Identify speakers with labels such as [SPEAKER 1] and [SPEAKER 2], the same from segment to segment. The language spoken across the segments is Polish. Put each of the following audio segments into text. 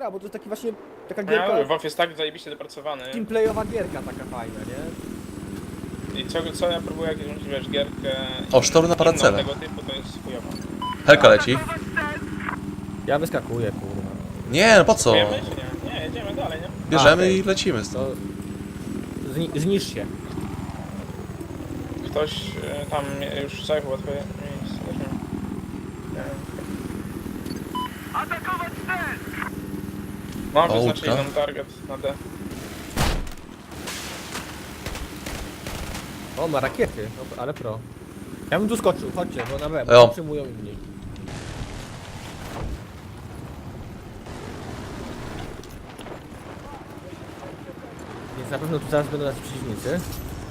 [SPEAKER 1] bo to jest taki właśnie, taka
[SPEAKER 2] Ja
[SPEAKER 1] gierka,
[SPEAKER 2] mówię, Wolf jest tak zajebiście dopracowany.
[SPEAKER 1] teamplayowa gierka taka fajna, nie?
[SPEAKER 2] I co ja próbuję jakąś, wiesz, gierkę...
[SPEAKER 3] O, sztorm na
[SPEAKER 2] inną
[SPEAKER 3] paracele.
[SPEAKER 2] tego typu, to jest chujowa.
[SPEAKER 3] Helka leci.
[SPEAKER 1] Ja wyskakuję, kurwa.
[SPEAKER 3] Nie, no po co?
[SPEAKER 2] Wiemy, czy nie? Nie, jedziemy dalej, nie?
[SPEAKER 3] Bierzemy
[SPEAKER 1] okej.
[SPEAKER 3] i lecimy
[SPEAKER 1] To
[SPEAKER 3] stąd.
[SPEAKER 1] zniszcz się.
[SPEAKER 2] Ktoś tam już zajechał łatwe miejsce. też nie wiem.
[SPEAKER 4] Atakować cel!
[SPEAKER 2] Mam
[SPEAKER 3] O,
[SPEAKER 2] wyznaczyli
[SPEAKER 3] łódka.
[SPEAKER 2] nam target na D.
[SPEAKER 1] O, ma rakiety, no, ale pro. Ja bym tu skoczył, chodźcie, bo na B,
[SPEAKER 3] Jo.
[SPEAKER 1] bo przyjmują inni. Więc na pewno tu zaraz będą nasi przeciwnicy.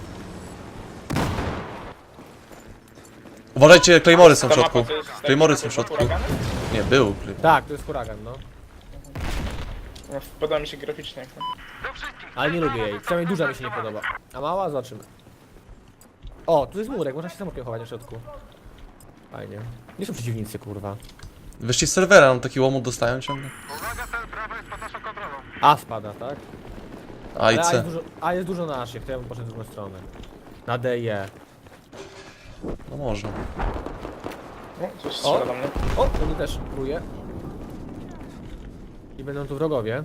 [SPEAKER 3] Uważajcie, Claymory są w
[SPEAKER 2] Ta
[SPEAKER 3] środku.
[SPEAKER 2] mapa to jest
[SPEAKER 3] Claymory są w
[SPEAKER 2] taki
[SPEAKER 3] środku.
[SPEAKER 2] huragany?
[SPEAKER 3] Nie, był.
[SPEAKER 1] Tak, to jest huragan, no.
[SPEAKER 2] No, podoba mi się graficznie. jak to.
[SPEAKER 4] Do wszystkich!
[SPEAKER 1] Ale nie lubię jej, przynajmniej duża mi się nie podoba. A mała? Zobaczymy. O, tu jest murek, można się samotnie chować na środku. Fajnie. Nie są przeciwnicy, kurwa.
[SPEAKER 3] Wyszli z serwera, no taki łomot dostają ciągle.
[SPEAKER 4] Uwaga, cel prawo jest pod naszą kontrolą.
[SPEAKER 1] A spada, tak?
[SPEAKER 3] A i
[SPEAKER 1] Ale
[SPEAKER 3] C.
[SPEAKER 1] jest dużo naszych, to ja bym poszedł w drugą stronę. Na D i E.
[SPEAKER 3] No można.
[SPEAKER 2] O, coś strzela do mnie.
[SPEAKER 1] O, to mnie też próbuje. I będą tu wrogowie.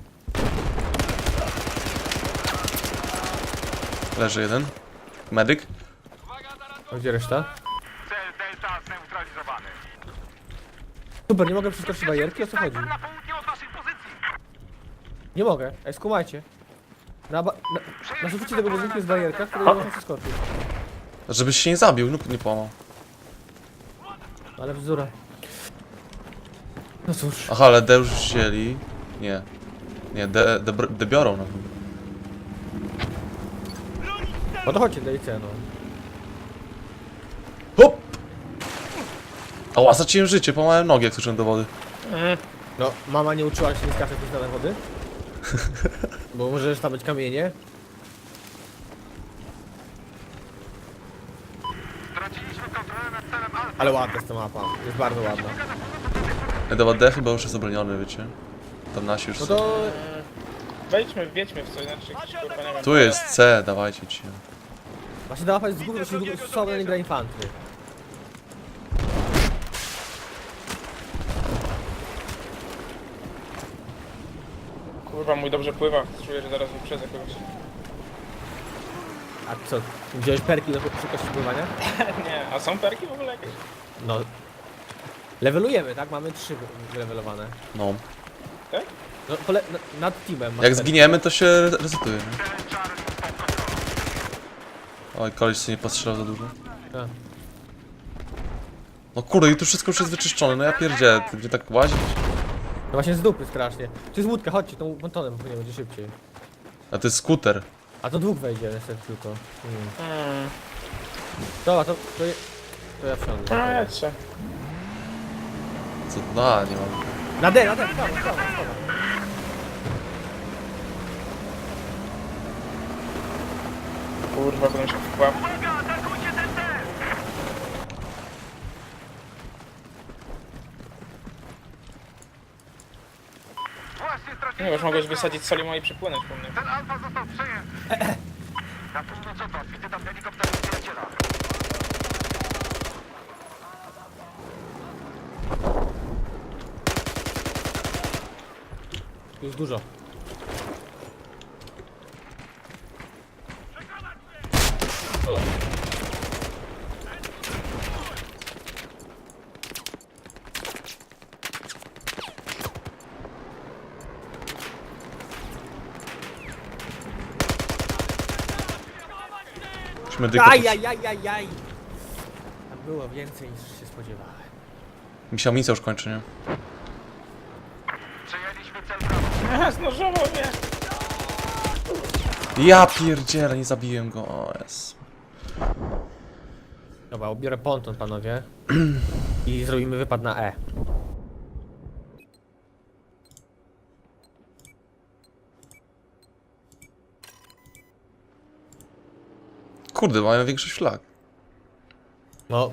[SPEAKER 3] Leży jeden. Medyk.
[SPEAKER 1] A gdzie reszta?
[SPEAKER 4] Cel Delta zneutralizowany.
[SPEAKER 1] Super, nie mogę przeskoczyć barierki, o co chodzi?
[SPEAKER 4] Na południe od waszej pozycji.
[SPEAKER 1] Nie mogę, ej skumajcie. Na suficie tego budynku jest barierka, której nie można przeskoczyć.
[SPEAKER 3] Żebyś się nie zabił, lub nie połamał.
[SPEAKER 1] Ale bzdura. No cóż.
[SPEAKER 3] Aha, ale D już wzięli. Nie. Nie, D biorą na pewno.
[SPEAKER 1] No to chodźcie, D i C, no.
[SPEAKER 3] Hop! Ała, straciłem życie, połamałem nogi jak słyszałem do wody.
[SPEAKER 1] No, mama nie uczyła się nie skakać do na wody? Bo możesz tam być kamienie.
[SPEAKER 4] Straciliśmy kontrolę nad celem Alfa.
[SPEAKER 1] Ale ładna jest ta mapa, jest bardzo ładna.
[SPEAKER 3] Dobra, D chyba już jest obroniony, wiecie. Tam nasi już
[SPEAKER 1] No
[SPEAKER 3] są.
[SPEAKER 1] to...
[SPEAKER 2] Wiedźmy w co, inaczej kurwa nie wiem.
[SPEAKER 3] Tu jest C, dawajcie ci.
[SPEAKER 1] Właśnie ta mapa jest z góry, właśnie słabo nie gra infantry.
[SPEAKER 2] Kurwa, mój dobrze pływa. Czuję, że zaraz wyprzedzę kogoś.
[SPEAKER 1] A co, wziąłeś perki do szybkości pływania?
[SPEAKER 2] Nie, a są perki w ogóle jakieś?
[SPEAKER 1] No. Levelujemy, tak? Mamy 3 wylevelowane.
[SPEAKER 3] No.
[SPEAKER 2] Tak?
[SPEAKER 1] No, nad teamem. masz
[SPEAKER 3] Jak
[SPEAKER 1] perki.
[SPEAKER 3] zginiemy, to się resetuje, nie? Oj, koleś sobie nie postrzelał za dużo.
[SPEAKER 1] A.
[SPEAKER 3] No kurde, i tu wszystko już jest wyczyszczone, no ja pierdzielę, ty gdzie tak łazić?
[SPEAKER 1] No właśnie z dupy strasznie. Tu jest łódka, chodźcie, tą pontonem płynie, będzie szybciej.
[SPEAKER 3] A to jest skuter.
[SPEAKER 1] A to dwóch wejdzie niestety tylko. Dobra, to ja wsiądę.
[SPEAKER 2] A, jedźcie.
[SPEAKER 3] Co? No, nie mam.
[SPEAKER 1] Na D, prawo.
[SPEAKER 2] Kurwa, będę się wkłał.
[SPEAKER 4] Uwaga, atakujcie ten cel! Właśnie
[SPEAKER 2] Nie,
[SPEAKER 4] straciliśmy
[SPEAKER 2] już mogłeś
[SPEAKER 4] cel
[SPEAKER 2] wysadzić soli i przepłynąć po mnie.
[SPEAKER 4] Cel Alfa został przejęty. Na północ od was widzę tam helikopter przyjaciela.
[SPEAKER 1] Tu jest dużo.
[SPEAKER 3] Już medyka.
[SPEAKER 1] Ajajajajaj! Tam było więcej niż się spodziewałem.
[SPEAKER 3] Mi się amunicja już kończy, nie?
[SPEAKER 4] Przejęliśmy cel prawo.
[SPEAKER 2] Aha, znożował mnie!
[SPEAKER 3] Ja pierdzielę, nie zabiłem go, o jest.
[SPEAKER 1] Dobra, ubiorę ponton, panowie. I zrobimy wypad na E.
[SPEAKER 3] Kurde, mają większość flag.
[SPEAKER 1] No.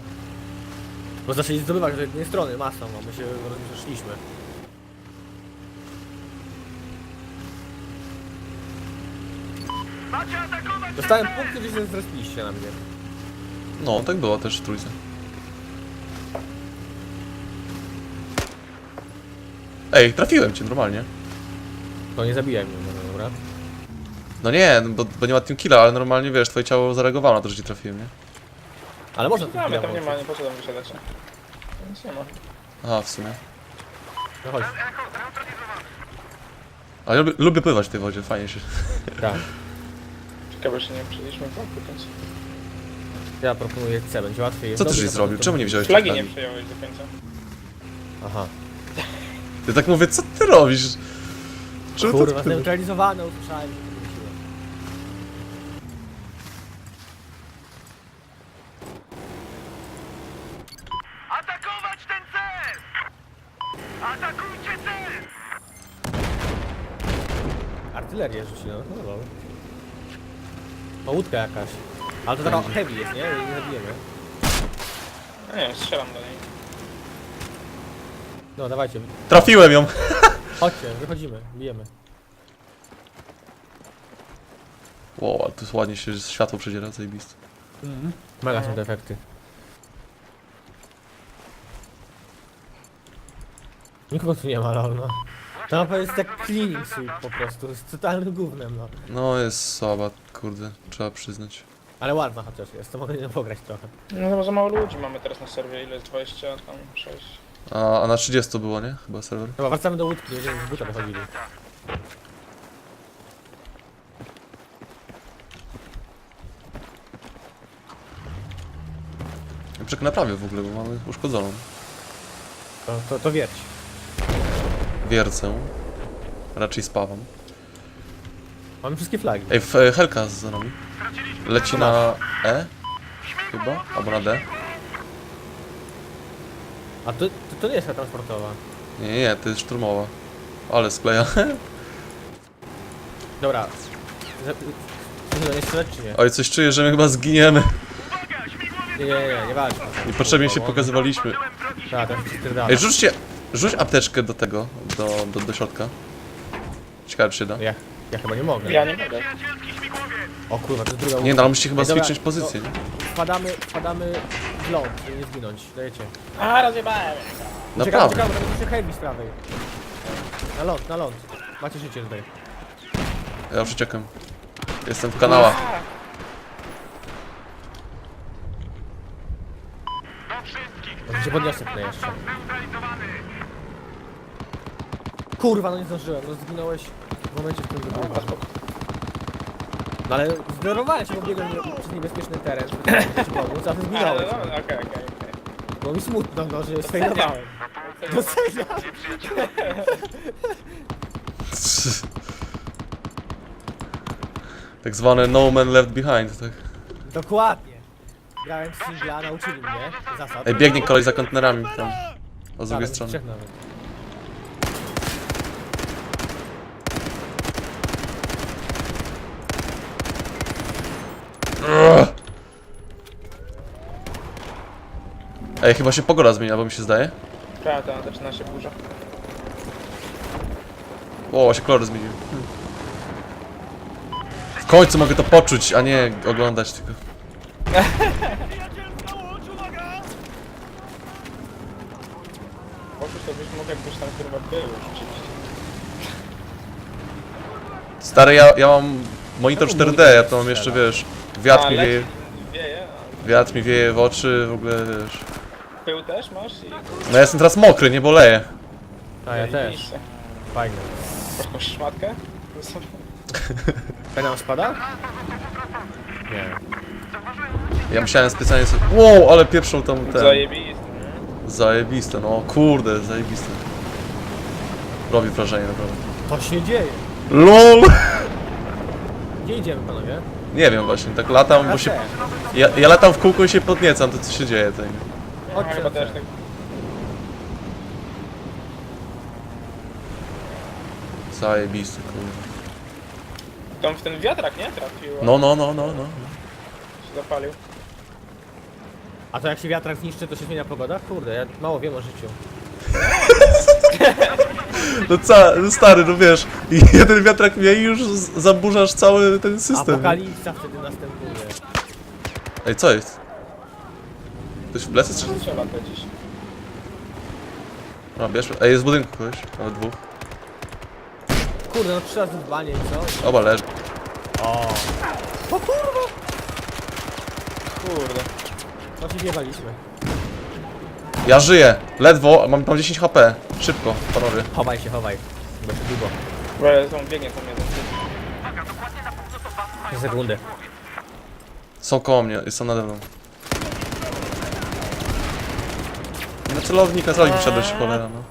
[SPEAKER 1] Bo zaczęli zdobywać z jednej strony masą, a my się rozeszliśmy.
[SPEAKER 4] Macie atakować!
[SPEAKER 1] Dostałem punkty, że się zrespiliście na mnie.
[SPEAKER 3] No, tak było też w trójce. Ej, trafiłem cię normalnie.
[SPEAKER 1] To nie zabijaj mnie, no dobra.
[SPEAKER 3] No nie, bo nie ma team killa, ale normalnie wiesz, twoje ciało zareagowało na to, że ci trafiłem, nie?
[SPEAKER 1] Ale można tu
[SPEAKER 2] No, ale tam nie
[SPEAKER 1] włączyć.
[SPEAKER 2] ma, nie po co tam wysiadać. Nic nie ma.
[SPEAKER 3] Aha, w sumie.
[SPEAKER 1] No chodź.
[SPEAKER 4] Echo, neutralizowany.
[SPEAKER 3] Ale lubię pływać w tej wodzie, fajnie się.
[SPEAKER 1] Tak.
[SPEAKER 2] Ciekawe, że nie przyjęliśmy flagu do końca.
[SPEAKER 1] Ja proponuję C, będzie łatwiej.
[SPEAKER 3] Co ty
[SPEAKER 1] Dobrze,
[SPEAKER 3] żeś
[SPEAKER 1] to-
[SPEAKER 3] zrobił?
[SPEAKER 1] to-
[SPEAKER 3] Czemu nie wziąłeś
[SPEAKER 2] Flagi
[SPEAKER 3] tej
[SPEAKER 2] nie
[SPEAKER 3] flagi?
[SPEAKER 2] przyjąłeś do końca.
[SPEAKER 1] Aha.
[SPEAKER 3] Ja tak mówię, co ty robisz? Czemu
[SPEAKER 1] Kurwa,
[SPEAKER 3] tak
[SPEAKER 1] zneutralizowane, usłyszałem, że to wróciło.
[SPEAKER 4] Atakować ten cel! Atakujcie cel!
[SPEAKER 1] Artylerię rzuci, no lol. O, łódka jakaś. Ale to taka heavy jest, nie? Nie zabijemy.
[SPEAKER 2] No nie wiem, strzelam do niej.
[SPEAKER 1] No, dawajcie.
[SPEAKER 3] Trafiłem ją!
[SPEAKER 1] Chodźcie, wychodzimy, bijemy.
[SPEAKER 3] Wow, ale tu ładnie się światło przedziera, zajebiste.
[SPEAKER 1] Mega są te efekty. Nikogo tu nie ma, lol, no. To mapa jest jak cleaning sweep po prostu, jest totalnym gównem, no.
[SPEAKER 3] No jest słaba, kurde, trzeba przyznać.
[SPEAKER 1] Ale ładna chociaż jest, to mogę nie pograć trochę.
[SPEAKER 2] No chyba za mało ludzi mamy teraz na serwie, ile jest 20, tam 6.
[SPEAKER 3] A na 30 było, nie? Chyba serwer.
[SPEAKER 1] Dobra, wracamy do łódki, będziemy z buta wychodzili.
[SPEAKER 3] Czek naprawię w ogóle, bo mamy uszkodzoną
[SPEAKER 1] To wierć.
[SPEAKER 3] wiercę. Raczej spawam.
[SPEAKER 1] Mamy wszystkie flagi.
[SPEAKER 3] Ej, Helka za nami. Leci na E? Chyba? Albo na D?
[SPEAKER 1] A to nie jest ta transportowa.
[SPEAKER 3] Nie, to jest szturmowa. Ale skleja.
[SPEAKER 1] Dobra. Nie strzelać czy nie?
[SPEAKER 3] Oj, coś czuję, że my chyba zginiemy.
[SPEAKER 1] Nie walcz.
[SPEAKER 3] Niepotrzebnie się pokazywaliśmy.
[SPEAKER 1] Tak, to jest spierdala.
[SPEAKER 3] Ej, rzuć apteczkę do tego, do środka. Ciekawe, czy się da.
[SPEAKER 1] Ja chyba nie mogę.
[SPEAKER 2] Ja nie mogę.
[SPEAKER 4] Przyjacielski śmigłowiec!
[SPEAKER 1] O kurwa, to jest druga
[SPEAKER 3] Nie, no ale musicie chyba
[SPEAKER 1] Ej, dobra,
[SPEAKER 3] switchnąć pozycję, nie?
[SPEAKER 1] Wpadamy w ląd, żeby nie zginąć. Dajecie.
[SPEAKER 2] A, rozjebałem!
[SPEAKER 3] Naprawdę.
[SPEAKER 1] Czekamy, to będzie heavy z prawej. Na ląd. Macie życie tutaj.
[SPEAKER 3] Ja już uciekam. Jestem w kanałach.
[SPEAKER 4] Do wszystkich!
[SPEAKER 1] Może się podniosę tutaj jeszcze.
[SPEAKER 4] Neutralizowany!
[SPEAKER 1] Kurwa, no nie zdążyłem, no zginąłeś w momencie, w którym
[SPEAKER 2] Dobra,
[SPEAKER 1] wybuchłem.
[SPEAKER 2] spoko.
[SPEAKER 1] No ale zdenerwowałem się, bo biegłem przez niebezpieczny teren, żeby ci pomóc, a ty zginąłeś.
[SPEAKER 2] Ale, no, okej.
[SPEAKER 1] Było mi smutno, no, że sfejlowałem. Doceniam.
[SPEAKER 3] Tak zwane no man left behind, tak.
[SPEAKER 1] Dokładnie. Grałem w singla, nauczyli mnie zasad.
[SPEAKER 3] Ej, biegnie koleś za kontenerami tam. O z drugiej
[SPEAKER 1] Tak,
[SPEAKER 3] strony.
[SPEAKER 1] trzech nawet.
[SPEAKER 3] Ej, chyba się pogoda zmienia, bo mi się zdaje.
[SPEAKER 2] Tak, zaczyna się burza.
[SPEAKER 3] O, się kolor zmienił. W końcu mogę to poczuć, a nie oglądać tylko.
[SPEAKER 2] Poczuć to byś mógł jakbyś tam kurwa był rzeczywiście.
[SPEAKER 3] Stary, ja mam monitor 4D, ja to mam jeszcze, wiesz, wiatr mi wieje,
[SPEAKER 2] Wieje,
[SPEAKER 3] wiatr mi wieje w oczy, w ogóle, wiesz.
[SPEAKER 2] a pył też masz i...
[SPEAKER 3] No ja jestem teraz mokry, nie boleję.
[SPEAKER 1] A ja też.
[SPEAKER 2] Miejsce.
[SPEAKER 1] Fajnie.
[SPEAKER 2] Masz jakąś szmatkę?
[SPEAKER 1] Penał spada? Nie.
[SPEAKER 3] Ja musiałem specjalnie sobie... Wow, ale pieprzą tam ten...
[SPEAKER 2] Zajebiste.
[SPEAKER 3] Zajebiste, no kurde, zajebiste. Robi wrażenie, naprawdę.
[SPEAKER 1] To się dzieje.
[SPEAKER 3] LOL!
[SPEAKER 1] Gdzie idziemy, panowie?
[SPEAKER 3] Nie wiem właśnie, tak latam, bo się... Ja latam w kółko i się podniecam, to co się dzieje tutaj.
[SPEAKER 2] No, chyba też tak.
[SPEAKER 3] Zajebiste, kurde.
[SPEAKER 2] Tam w ten wiatrak, nie? Trafił.
[SPEAKER 3] No.
[SPEAKER 2] Się zapalił.
[SPEAKER 1] A to jak się wiatrak zniszczy, to się zmienia pogoda? Kurde, ja mało wiem o życiu.
[SPEAKER 3] No stary, no wiesz, i jeden wiatrak mniej i już zaburzasz cały ten system.
[SPEAKER 1] Apokalipsa wtedy następuje.
[SPEAKER 3] Ej, co jest? Ktoś w plecy strzela?
[SPEAKER 2] Strzela to gdzieś.
[SPEAKER 3] No, bierz. Ej, jest w budynku kogoś, nawet dwóch.
[SPEAKER 1] Kurde, no 3 razy w banie i co?
[SPEAKER 3] Oba leży.
[SPEAKER 1] O,
[SPEAKER 2] Kurde.
[SPEAKER 1] no się wjebaliśmy.
[SPEAKER 3] Ja żyję, ledwo, mam 10 HP. Szybko, panowie.
[SPEAKER 1] Chowaj się, chowaj. Bo się długo.
[SPEAKER 2] Dobra, on biegnie tam jeden.
[SPEAKER 1] 3 sekundy.
[SPEAKER 3] Są koło mnie, są nade mną. Na celownik, na celownik wszedłeś, cholera, no.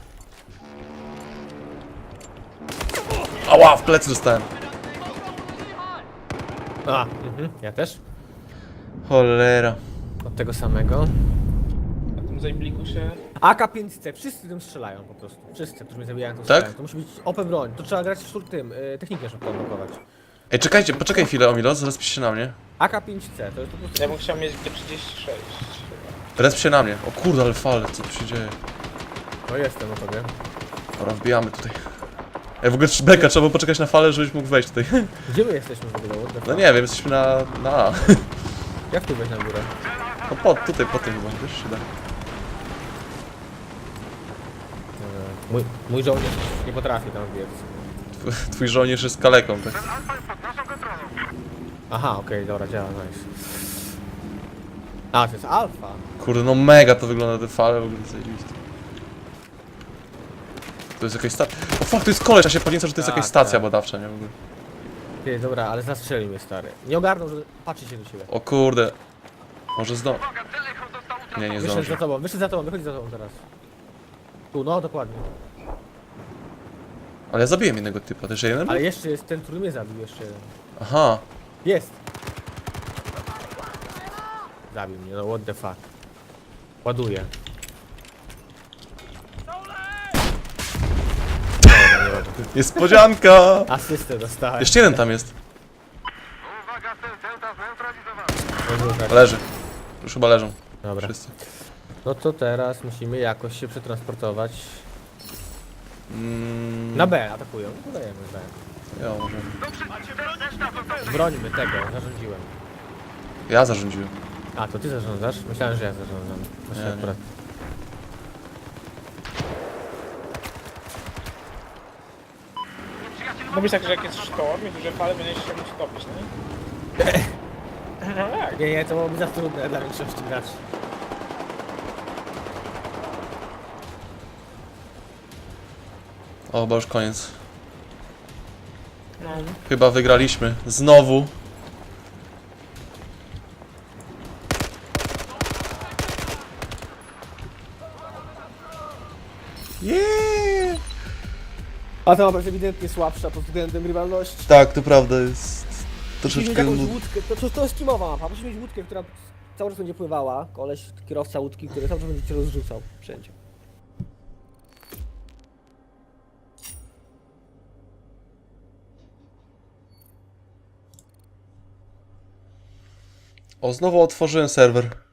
[SPEAKER 3] Ała, w plecy dostałem.
[SPEAKER 1] A, ja też.
[SPEAKER 3] Cholera.
[SPEAKER 1] Od tego samego.
[SPEAKER 2] Na tym zajbliku się...
[SPEAKER 1] AK-5C, wszyscy tym strzelają po prostu. Wszyscy, którzy mnie zabijają, to strzelają. To musi być OP broń. To trzeba grać w tym, technikę szybko odblokować.
[SPEAKER 3] Ej, czekajcie, poczekaj chwilę, Omilo, zaraz się na mnie.
[SPEAKER 1] AK-5C, to jest po prostu...
[SPEAKER 2] Ja bym chciał mieć G36.
[SPEAKER 3] Resp się na mnie. O kurde, ale fale, co tu się dzieje?
[SPEAKER 1] No jestem o tobie.
[SPEAKER 3] Dobra, wbijamy tutaj. Ej, w ogóle beka, trzeba było poczekać na falę, żebyś mógł wejść tutaj.
[SPEAKER 1] Gdzie my jesteśmy w ogóle? What the
[SPEAKER 3] No
[SPEAKER 1] fuck?
[SPEAKER 3] nie wiem, jesteśmy na A.
[SPEAKER 1] Jak tu wejść na górę?
[SPEAKER 3] No tutaj, po tym chyba, wiesz, się da.
[SPEAKER 1] Mój żołnierz nie potrafi tam biec.
[SPEAKER 3] Twój żołnierz jest kaleką, tak?
[SPEAKER 4] Alfa jest pod naszą kontrolą.
[SPEAKER 1] Aha, okej, dobra, działa, nice. A, to jest alfa.
[SPEAKER 3] Kurde, no mega to wygląda, te fale w ogóle zajebiste. To jest jakaś stacja. O fuck, to jest koleś, a się podnieca, że to jest
[SPEAKER 1] Tak,
[SPEAKER 3] jakaś stacja
[SPEAKER 1] tak.
[SPEAKER 3] badawcza, nie w ogóle.
[SPEAKER 1] Ty, dobra, ale zastrzelił mnie stary. Nie ogarnął, że patrzy się do ciebie.
[SPEAKER 3] O kurde. Może zdo...
[SPEAKER 4] Uwaga, Telechon dostał
[SPEAKER 3] Nie, nie
[SPEAKER 1] Wyszedł
[SPEAKER 3] zdąży.
[SPEAKER 1] za tobą, wyszedł za tobą, wychodzi za tobą teraz. Tu, no dokładnie.
[SPEAKER 3] Ale ja zabiłem jednego typa, też jeden?
[SPEAKER 1] Ale jeszcze jest ten, który mnie zabił, jeszcze jeden.
[SPEAKER 3] Aha.
[SPEAKER 1] Jest! Zabił mnie, no what the fuck. Ładuję.
[SPEAKER 3] Niespodzianka!
[SPEAKER 1] Asystę dostałem.
[SPEAKER 3] Jeszcze jeden tam jest.
[SPEAKER 4] Uwaga, Delta zneutralizowany.
[SPEAKER 3] Leży. Już chyba leżą.
[SPEAKER 1] Dobra.
[SPEAKER 3] Wszyscy.
[SPEAKER 1] No to teraz musimy jakoś się przetransportować.
[SPEAKER 3] Mm,
[SPEAKER 1] Na B atakują. Udajemy B.
[SPEAKER 3] ja, może.
[SPEAKER 1] Brońmy tego, zarządziłem.
[SPEAKER 3] Ja zarządziłem.
[SPEAKER 1] A, to ty zarządzasz? Myślałem, że ja zarządzam. Właśnie
[SPEAKER 3] Nie, nie.
[SPEAKER 1] akurat.
[SPEAKER 2] Mówi tak, że jak jest sztorm i duże fale, będziesz się musiał topić, no nie? No jak?
[SPEAKER 1] Nie, to byłoby za trudne dla większości graczy.
[SPEAKER 3] O, chyba już koniec.
[SPEAKER 2] No.
[SPEAKER 3] Chyba wygraliśmy. Znowu. Yeah!
[SPEAKER 1] A ta mapa jest ewidentnie słabsza pod względem rywalności.
[SPEAKER 3] Tak, to prawda jest.
[SPEAKER 1] Musimy mieć
[SPEAKER 3] Troszeczkę.
[SPEAKER 1] jakąś łódkę, to jest teamowa mapa, musimy mieć łódkę, która cały czas będzie pływała. Koleś, kierowca łódki, który cały czas będzie cię rozrzucał wszędzie.
[SPEAKER 3] O, znowu otworzyłem serwer.